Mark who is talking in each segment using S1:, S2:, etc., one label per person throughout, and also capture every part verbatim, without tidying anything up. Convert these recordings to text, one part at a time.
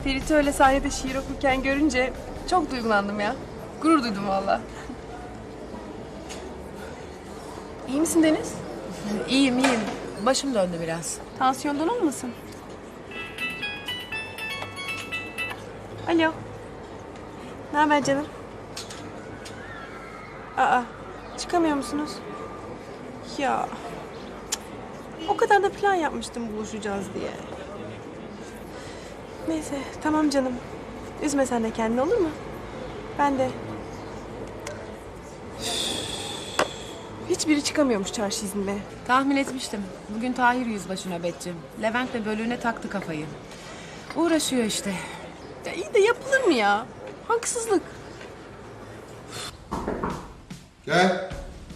S1: Ferit'i öyle sahnede şiir okurken görünce çok duygulandım ya. Gurur duydum valla. İyi misin Deniz?
S2: İyiyim iyiyim. Başım döndü biraz.
S1: Tansiyondan olmasın? Alo. Ne haber canım? Aa, çıkamıyor musunuz? Ya, o kadar da plan yapmıştım buluşacağız diye. Neyse, tamam canım. Üzme sen de kendini, olur mu? Ben de. Hiçbiri çıkamıyormuş çarşı iznine.
S2: Tahmin etmiştim. Bugün Tahir yüzbaşı nöbetçi. Levent de bölüğüne taktı kafayı. Uğraşıyor işte.
S1: Ya iyi de yapılır mı ya? Haksızlık.
S3: Gel.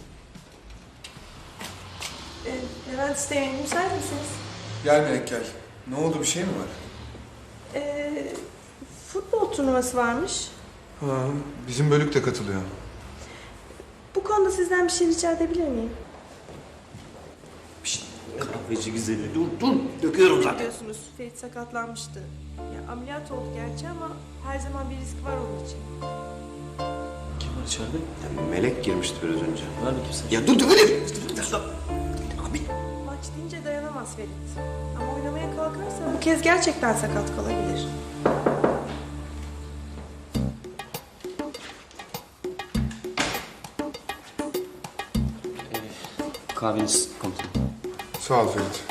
S1: Ee, Levent Üsteğmen, müsait misiniz?
S3: Gel Melek gel. Ne oldu, bir şey mi var?
S1: Ee, futbol turnuvası varmış.
S3: Ha, bizim bölük de katılıyor.
S1: Bu konuda sizden bir şey rica edebilir miyim?
S4: Şişt, kahveci güzeli dur dur. Döküyorum zaten.
S1: Biliyorsunuz Ferit sakatlanmıştı. Ya, ameliyat oldu gerçi ama her zaman bir risk var onun için.
S4: Kim var içeride? Ya, Melek girmişti biraz önce.
S5: Ver bakayım sen.
S4: Ya dur dur dur. Abi.
S1: Maç deyince dayanamaz Ferit. Ama oynamaya kalkarsa bu kez gerçekten sakat kalabilir.
S5: Kahveniz komutanım.
S3: Sağ ol Ferit.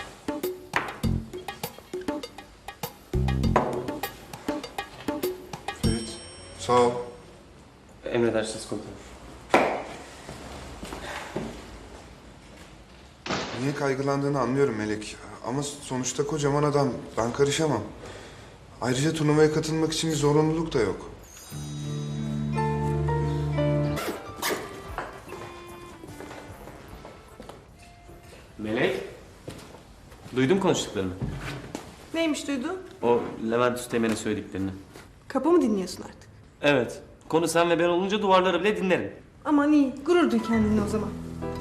S3: Ferit, sağ ol.
S5: Emredersiniz komutanım.
S3: Niye kaygılandığını anlıyorum Melek. Ama sonuçta kocaman adam. Ben karışamam. Ayrıca turnuvaya katılmak için bir zorunluluk da yok.
S5: Melek. Duydum konuştuklarını.
S1: Neymiş duydun?
S5: O Levent Üsteğmen'e söylediklerini.
S1: Kapı mı dinliyorsun artık?
S5: Evet. Konu sen ve ben olunca duvarları bile dinlerim.
S1: Aman iyi, gurur duy kendinle o zaman.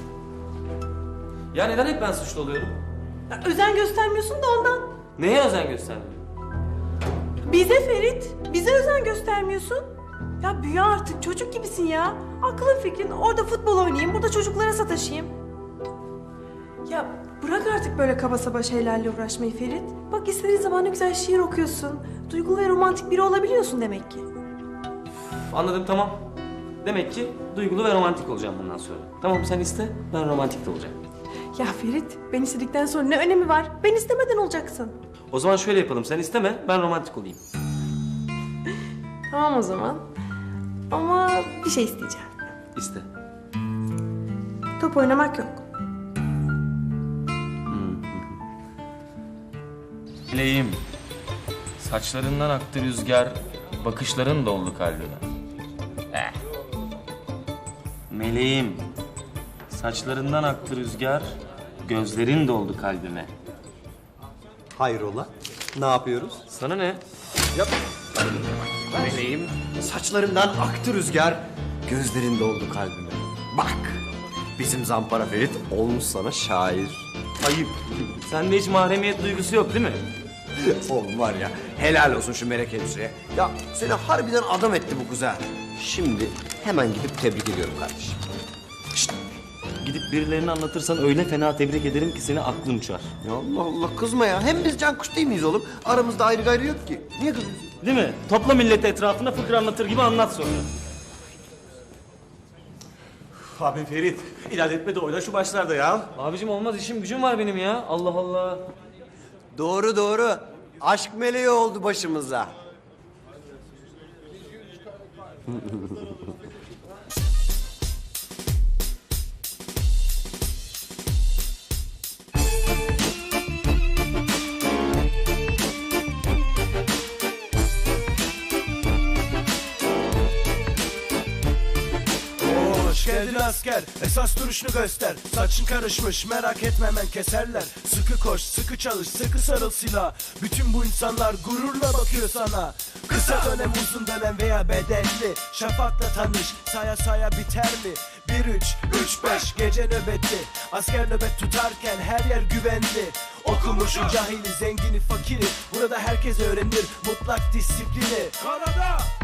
S5: Ya neden hep ben suçlu oluyorum?
S1: Ya, özen göstermiyorsun da ondan.
S5: Neye özen göstermiyorum?
S1: Bize Ferit, bize özen göstermiyorsun. Ya büyü artık, çocuk gibisin ya. Aklın fikrin orada futbol oynayayım, burada çocuklara sataşayım. Ya bırak artık böyle kaba saba şeylerle uğraşmayı Ferit. Bak istediğin zaman ne güzel şiir okuyorsun. Duygulu ve romantik biri olabiliyorsun demek ki.
S5: Anladım, tamam. Demek ki duygulu ve romantik olacağım bundan sonra. Tamam, sen iste, ben romantik de olacağım.
S1: Ya Ferit, ben istedikten sonra ne önemi var? Ben istemeden olacaksın.
S5: O zaman şöyle yapalım, sen isteme, ben romantik olayım.
S1: Tamam o zaman. Ama bir şey isteyeceğim.
S5: İste.
S1: Top oynamak yok.
S6: Meleğim, saçlarından aktı rüzgar, bakışların doldu kalbime. Eh. Meleğim, saçlarından aktı rüzgar, gözlerin doldu kalbime.
S4: Hayrola? Ne yapıyoruz?
S6: Sana ne?
S4: Yap.
S6: Meleğim,
S4: Saçlarından aktı rüzgar, gözlerin doldu kalbime. Bak, bizim Zampara Ferit olmuş sana şair.
S5: Ayıp. Sende hiç mahremiyet duygusu yok değil mi?
S4: Oğlum var ya, helal olsun şu Melek hemşireye. Ya seni harbiden adam etti bu kız ha. Şimdi hemen gidip tebrik ediyorum kardeşim.
S5: Şşt. Gidip birilerine anlatırsan öyle fena tebrik ederim ki seni aklın uçar.
S4: Ya Allah Allah, kızma ya. Hem biz can kuş değil miyiz oğlum? Aramızda ayrı gayrı yok ki. Niye kızıyorsun?
S5: Değil mi? Topla milleti etrafına fıkra anlatır gibi anlat sonra.
S4: Abi Ferit, inat etme de oyna şu başlarda ya.
S5: Abicim olmaz, işim gücüm var benim ya. Allah Allah.
S4: Doğru doğru. Aşk meleği oldu başımıza.
S7: Hoş geldin asker, esas duruşunu göster. Saçın karışmış, merak etme hemen keserler. Sıkı koş, sıkı çalış, sıkı sarıl silah. Bütün bu insanlar gururla bakıyor sana. Kısa dönem, uzun dönem veya bedelli. Şafakla tanış, saya saya biter mi? Bir üç, üç beş gece nöbeti. Asker nöbet tutarken her yer güvenli. Okumuşu cahili, zengini fakiri, burada herkes öğrenir mutlak disiplini. Kanada